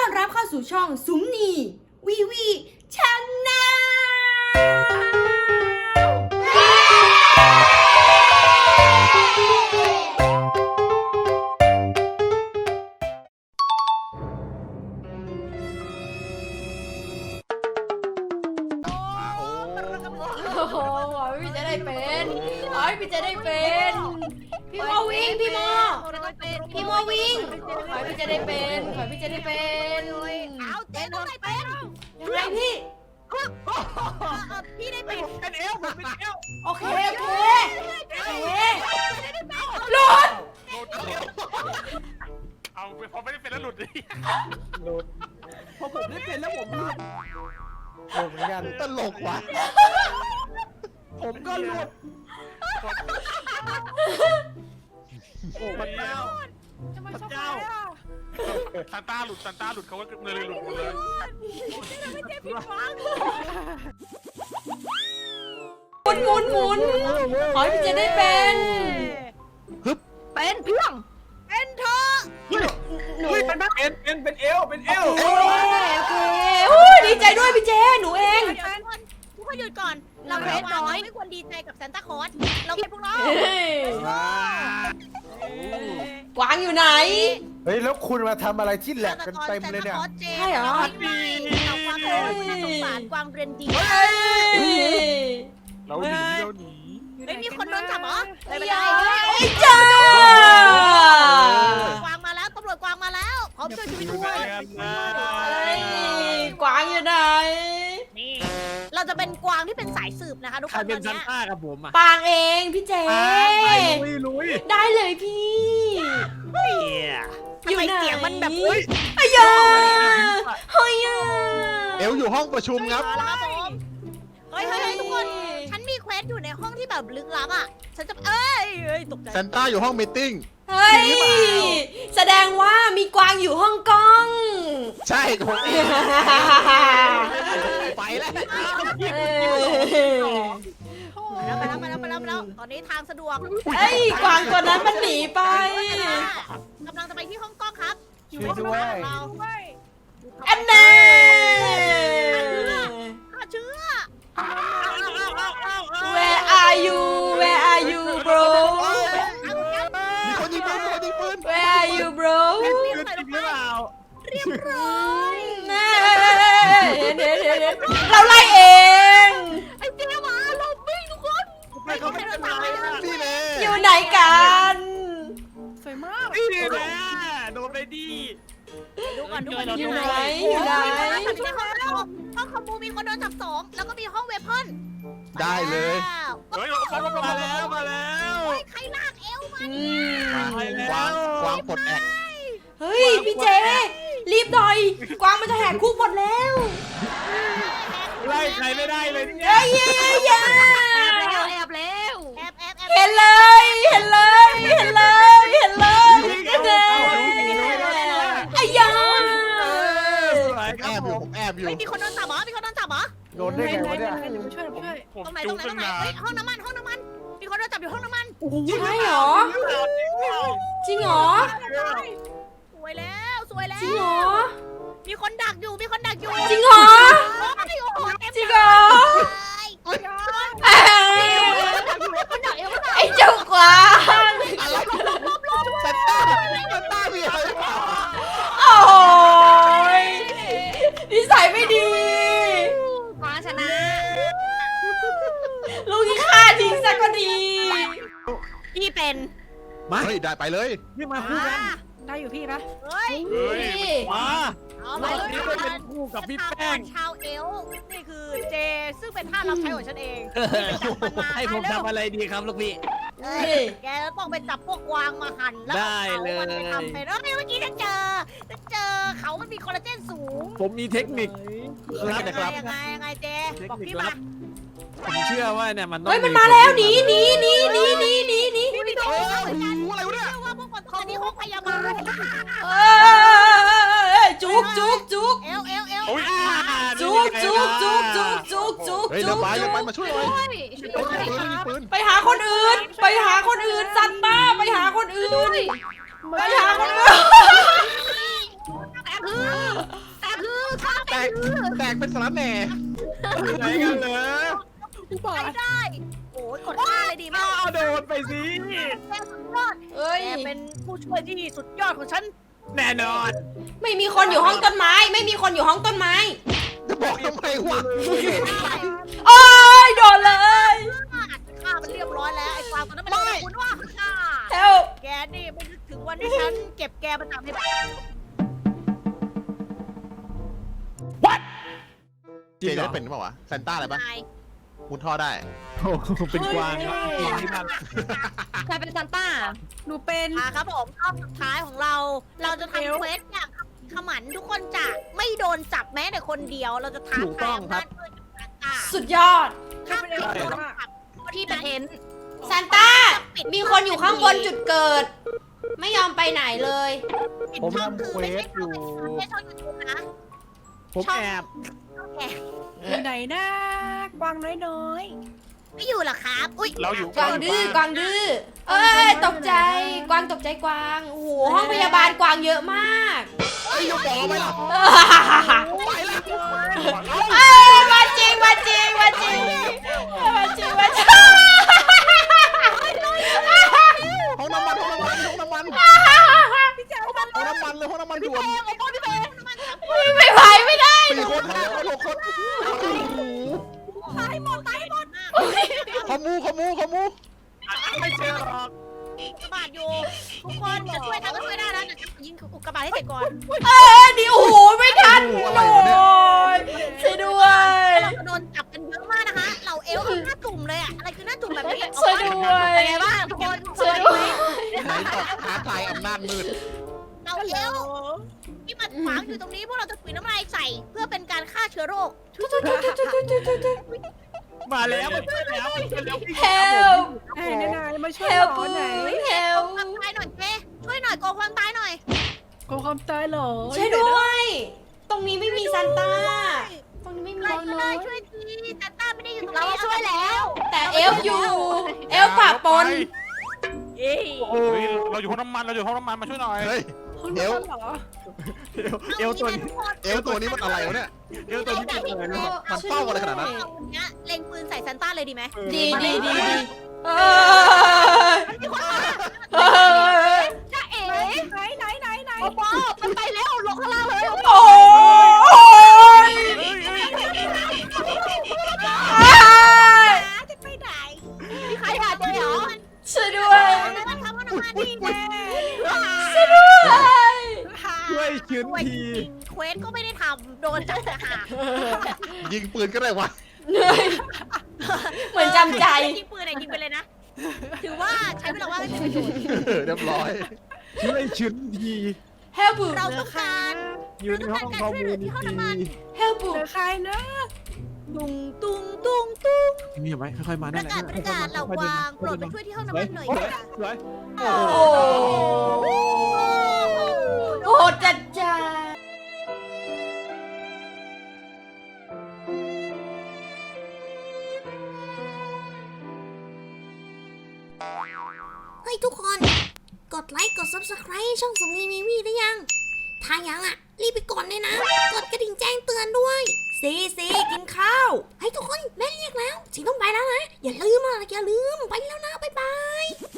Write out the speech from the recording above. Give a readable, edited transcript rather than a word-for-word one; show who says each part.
Speaker 1: อนรับเข้าสู่ช่องสุมนีวีวีชแนลโอ้โหพี่จะได้เป็นพี่จะได้เป็นพี่โมวิ่งพี่โมวิ่งพี่จะได้เป็นพี่จะได้เป็น
Speaker 2: เอาเจ๊ต้องได้เป็น
Speaker 1: ยังไงพี่
Speaker 2: พี่ได้เป็น
Speaker 3: เป็นเอลเป็นเอล
Speaker 1: โอเคหลุด
Speaker 3: เอาพอไม่ได้เป็นแล้วหลุดดิ
Speaker 4: หลุดพอผมได้เป็นแล้วผมหลุดเหมือนกันตลกว่ะผมก็หลุดโอ้พระเจ้าพระเจ้า
Speaker 3: ซันต้าหลุดเขาก็เลยหลุดหมดเลย
Speaker 1: หมุนขอให้พี่เจได้เป็น
Speaker 2: เป็นเพียงเป็นเธอ
Speaker 1: หนู
Speaker 4: เป็นเอล
Speaker 1: โอเคดีใจด้วยพี่เจหนูเอง
Speaker 2: ทุกคนหยุดก่อนเราเล่นน้อยไม่ควรดีใจกับซานต้าคลอสเราเป็นพวกเรา
Speaker 1: กวางอยู่ไหน
Speaker 4: เฮ้ยแล้วคุณมาทำอะไรที่แหลกกันเต็มเลยเนี่ย
Speaker 1: ใช่เหรอ
Speaker 2: กวางเป็นคนน่าสงสารกวางเรียนดี
Speaker 3: เราหนี
Speaker 2: ไม่มีคนโดนจับเหรอไม่เป็นไร
Speaker 1: ไอ้จ้าก
Speaker 2: วางมาแล้วตำรวจกวางมาแล้วพร้อมช่วยชีวิตด้วย
Speaker 1: กวางอยู่ไหน
Speaker 2: นี่เราจะเป็นกวางที่เป็นสายสืบนะคะทุกคน
Speaker 3: ใครเป็น
Speaker 2: ต
Speaker 3: ซั
Speaker 2: อน
Speaker 3: น
Speaker 2: นี้
Speaker 3: ต้ากับผมอ่ะ
Speaker 1: ปางเองพี่เจ
Speaker 3: ลุย
Speaker 1: ได้เลยพี่ อยู่ไหน
Speaker 2: ทำไมเสียงมันแบบ
Speaker 1: อายาเฮ้ย
Speaker 4: เอลอยู่ห้องประชุมครับ
Speaker 2: เอาละครับผมเฮ้ยทุกคน ฉันมีเควสอยู่ในห้องที่แบบลึกลับอ่ะ ฉันจะเอ้ยตกใจ
Speaker 4: ซานต้าอยู่ห้องมีตติ้ง
Speaker 1: เฮ้ยแสดงว่ามีกวางอยู่ห้องกล้อง
Speaker 4: ใช่ผมเอง ไปแล้ว
Speaker 2: มาแล้วตอนนี้ทางสะดวก
Speaker 1: เอ้ยกวางตัวนั้นมันหนีไป
Speaker 2: กำลังจะไปที่ห้องกล้องครับ
Speaker 4: ช่วยด้วย
Speaker 2: เรา
Speaker 1: แอนเน่
Speaker 2: ฆ่าเชื้อ
Speaker 1: Where are you Where are you bro
Speaker 4: มีคนยิงปืน
Speaker 1: Where are you bro
Speaker 2: เรียบร้อย
Speaker 1: เห็นเราไล่เอง
Speaker 2: ไอ้เจ๊หมาลบวิ่งทุกคนไม่เขาไม่ได้ตาย
Speaker 4: นี่เลย
Speaker 1: อยู่ไหนกัน
Speaker 2: สวยมาก
Speaker 3: นี่แหละโดนไปดี
Speaker 2: ดูก่อน
Speaker 1: อยู่ไหน
Speaker 2: ห้องคอมมูมีคนโดนจับ2แล้วก็มีห้องเวพอน
Speaker 4: ได้เลย
Speaker 3: เฮ้ยมาแล้ว
Speaker 2: ใครลากเอวมา
Speaker 4: กวางปลดแอก
Speaker 1: เฮ้ยพี่เจรีบหน่อยกวางมันจะแหกคุกหมดแล้ว
Speaker 3: ไล่ใครไม่ได้เลย
Speaker 1: เอ้ย
Speaker 2: แอบ
Speaker 1: เห็นเลย ไอ้ยา
Speaker 4: ผมแอบอยู่
Speaker 2: ไม่มีคนโดนจับเหรอ
Speaker 4: โดนได้ไงวะเนี่ย
Speaker 3: ผม
Speaker 2: ตรงไหน
Speaker 3: จุกตั้งนาน
Speaker 2: ห้องน้ำมันมีคนโดนจับอยู่ห้องน้ำมัน
Speaker 1: ใช่เหรอจริงเหรอ
Speaker 2: สวยแล้ว
Speaker 1: จริงเหรอ
Speaker 2: มีคนดักอยู่
Speaker 1: จริงเหรอ จริงเหรอไอ้เจ้ากวาง
Speaker 4: ซานต้ามีอะไร
Speaker 1: โอ้ยนิสัยไม่ดี
Speaker 2: มาชนะ
Speaker 1: ลูกที่ฆ่าทิ้งซะก็ดี
Speaker 2: พี่เป็น
Speaker 4: มาเฮ้ยได้ไปเลย
Speaker 3: นี่มาคู่กัน
Speaker 2: ได้อยู่พี่ปะเฮ้ย
Speaker 3: มา
Speaker 2: เอา
Speaker 3: เรา
Speaker 2: ไป
Speaker 3: ที่เป็นคู่กับพี่แป้ง
Speaker 2: ชาวเอลนี่คือเจซึ่งเป็นท่ารับใช้ของฉันเอง
Speaker 3: ให้ผมทำอะไรดีครับลูกพี่
Speaker 2: แกต้องไปจับพวกกวางมาหั่นแล้ว
Speaker 3: ได้เลย
Speaker 2: มันไปทำเป็นเมื่อกี้ฉันเจอเขามันมีคอลลาเจนสูง
Speaker 3: ผมมีเทคนิคครับ
Speaker 2: ยังไงเจบอกพี่มา
Speaker 3: ผมเชื่อว่าเนี่ยมันต้อง
Speaker 1: เฮ้ยมันมาแล้วหนี
Speaker 2: พี่มีตัวเหมือนกัน
Speaker 4: อะไรวะเนี่ย
Speaker 2: เชื่อว่าพวกคนตอนนี้ห้องพยาบาล
Speaker 1: จุก
Speaker 2: เอล
Speaker 3: โอ้ย
Speaker 4: เฮ้ยเราไปมาช่วยหน่อยปืน
Speaker 1: ไปหาคนอื่นซันต้าไปหาคนอื่น
Speaker 4: แตกเป็นสารแหน่ไหนกันเหรอ
Speaker 2: ไปได้โอ้ยกดท่าเลยดีมาก
Speaker 4: เอาโดนไปสิ
Speaker 2: แกสุดยอด
Speaker 1: เอ้ย
Speaker 2: แกเป็นผู้ช่วยที่สุดยอดของฉัน
Speaker 4: แน่นอน
Speaker 1: ไม่มีคนอยู่ห้องต้นไม้ ไม่มีคนอยู่ห้องต้นไม้
Speaker 4: จะบอกทำไมวะ
Speaker 1: โอ้ยโดนเลย
Speaker 2: ฆ่ามันเรียบร้อยแล้วไอ้ความมันนั้นมันเรียกคุณว่าฆ่า
Speaker 1: help
Speaker 2: แกนี่ไม่นึกถึงวันที่ฉันเก็บแกมาจากใน
Speaker 4: จริงเหรอเป็นเปล่าวะแซนต้าอะไรปะ
Speaker 2: นาย
Speaker 4: มุดท่อได้เป็นกวางครับที่นั่น
Speaker 5: ใครเป็นซานต้า
Speaker 6: หนูเป็น
Speaker 2: ครับผมรอบสุดท้ายของเรา เราจะทำเควสอย่างขมันทุกคนจะไม่โดนจับแม้แต่คนเดียว เราจะท้าทายอำนาจมืดกับต่าง
Speaker 1: สุดยอด
Speaker 2: ๆถ้าไม่โดนจับ
Speaker 5: ที่เป็นเห็น
Speaker 1: ซานต้า มีคนอยู่ข้างบนจุดเกิด ไม่ยอมไปไหนเลย
Speaker 4: ผมทำเควสอยู่
Speaker 2: ไม่ใช่ช่องยูทูบนะ
Speaker 4: ผมแอบ
Speaker 2: แก
Speaker 6: อยู่ไหนนะกวางน้อย
Speaker 2: ไม่อยู่หรอครับ อุ้ย
Speaker 3: เราอยู่
Speaker 1: กวางดื้อกวางดื้อ เอ้ยตกใจ กวางตกใจกวาง โอ้โหห้องพยาบาลกวางเยอะมาก
Speaker 4: ไอ้ยกบอกไปหรอไปแล้ว
Speaker 1: เอ้ยมาจริงมาจริงมาจริงมาจริงมาจริง
Speaker 4: ห้องน้ำมันห้องน้ำมันห้องน้ำมันห้องน้ำมันเลยห้องน้ำมันด่วน
Speaker 1: ไม่ไหวไม่ได้
Speaker 4: 4 คน5 คน6 คน
Speaker 2: ตายหมดตายหมด
Speaker 4: ขมูไม่เจอหรอก
Speaker 2: กระบาดอยู่ทุกคนจะช่วยทำก็ช่วยได้นะแต่ยิงอุกกาบาตให้เสร็จก่อน
Speaker 1: เออดิโอ้โหไม่ทันโอ้ยช่วยด้วย
Speaker 2: เราจะโดนจับกันเยอะมากนะคะเหล่าเอลหน้าจุ่มเลยอะอะไรคือหน้าจุ่มแบบนี้
Speaker 1: ช่วยด้วย
Speaker 2: เป็นไงบ้างทุกคน
Speaker 1: ช่วยด้วย
Speaker 4: ไหนต่อท้าทายอำนาจมืด
Speaker 2: เหล่าเอลที่มันขวางอยู่ตรงนี้พวกเราจะถุยน้ำลายใส่เพื่อเป็นการฆ่าเชื้อโรค
Speaker 4: มาแล้วมาช่วยแล้ว
Speaker 1: help
Speaker 6: ๆไหนนายมาช่วย
Speaker 1: help
Speaker 6: หมอไหน
Speaker 1: help
Speaker 2: ความตายหน่อยเจ๊ช่วยหน่อยโกงความตายหน่อย
Speaker 6: กลัวความตายเหรอ
Speaker 1: ช่วยด้วย ตรงนี้ไม่มีซานต้า ตรงนี้ไม่มี
Speaker 2: ใครก็ได้ช่วยทีแต่ต้าไม่ได้อยู่ตรงนี้
Speaker 5: เราช่วยแล้ว
Speaker 1: แต่เอลอยู่ เอลปะปน
Speaker 2: เย้
Speaker 3: เฮ้ยเราอยู่ห้องน้ำมันเราอยู่ห้องน้ำมันมาช่วยหน่อย
Speaker 4: เฮ้ย
Speaker 6: คุณ
Speaker 4: เดี๋ยว
Speaker 6: เหรอ
Speaker 4: เอวตัวนี้มันอะไรวะเนี่ยเอวตัวนี้มันเฝ้าอะไรขนาดนั้น
Speaker 2: เอาคนนี้เล็งปืนใส่ซันต้าเลยดีไหม
Speaker 1: ดีดีดีดีเออ เออ
Speaker 2: จ้าเอ๋
Speaker 6: ไหน
Speaker 2: โอ้โหมันไปแล้วลงข้างล่างเลย
Speaker 1: โอ้ย
Speaker 2: จะไปไหนมีใครหาเจอเหรอ
Speaker 1: ช่วยด้วย
Speaker 2: มันทำมันออกมาดีแน่
Speaker 1: ช่วยด้วย
Speaker 4: ช่วยชื้นที
Speaker 2: เควสก็ไม่ได้ทำโดนจับแต่หา
Speaker 4: ยิงปืนก็ได้วะ
Speaker 1: เหนื่อยเหมือนจำใจ
Speaker 2: ยิงปืนยิงไปเลยนะ ถือว่าใช้เวลาว่างให้เป็นประโยชน์
Speaker 4: เรียบร้อยช่วยชื้นที
Speaker 1: help
Speaker 2: เราต้องการ
Speaker 4: อยู่ในห้องคอมมูนิตี้
Speaker 1: help
Speaker 6: เหลือใครนะ
Speaker 2: ตุงตุงตุงตุง
Speaker 4: มีไหมค่อยๆมา
Speaker 2: ป
Speaker 4: ได้
Speaker 2: ระกาศประกาศเหล่ากวางโปรดไปช่วยที่ห้องน้ำมันหน่อยค่ะ
Speaker 4: สวย
Speaker 1: โอ้โหจัดจ้า
Speaker 7: เฮ้ยทุกคน กดไลค์ กด Subscribe ให้ช่องสมนีมีวีได้ยัง ถ้ายังอ่ะ รีบไปกดเลยนะ กดกระดิ่งแจ้งเตือนด้วยซีกินข้าว ให้ทุกคนแม่เรียกแล้วสิต้องไปแล้วนะ อย่าลืมไปแล้วนะ บ๊ายบาย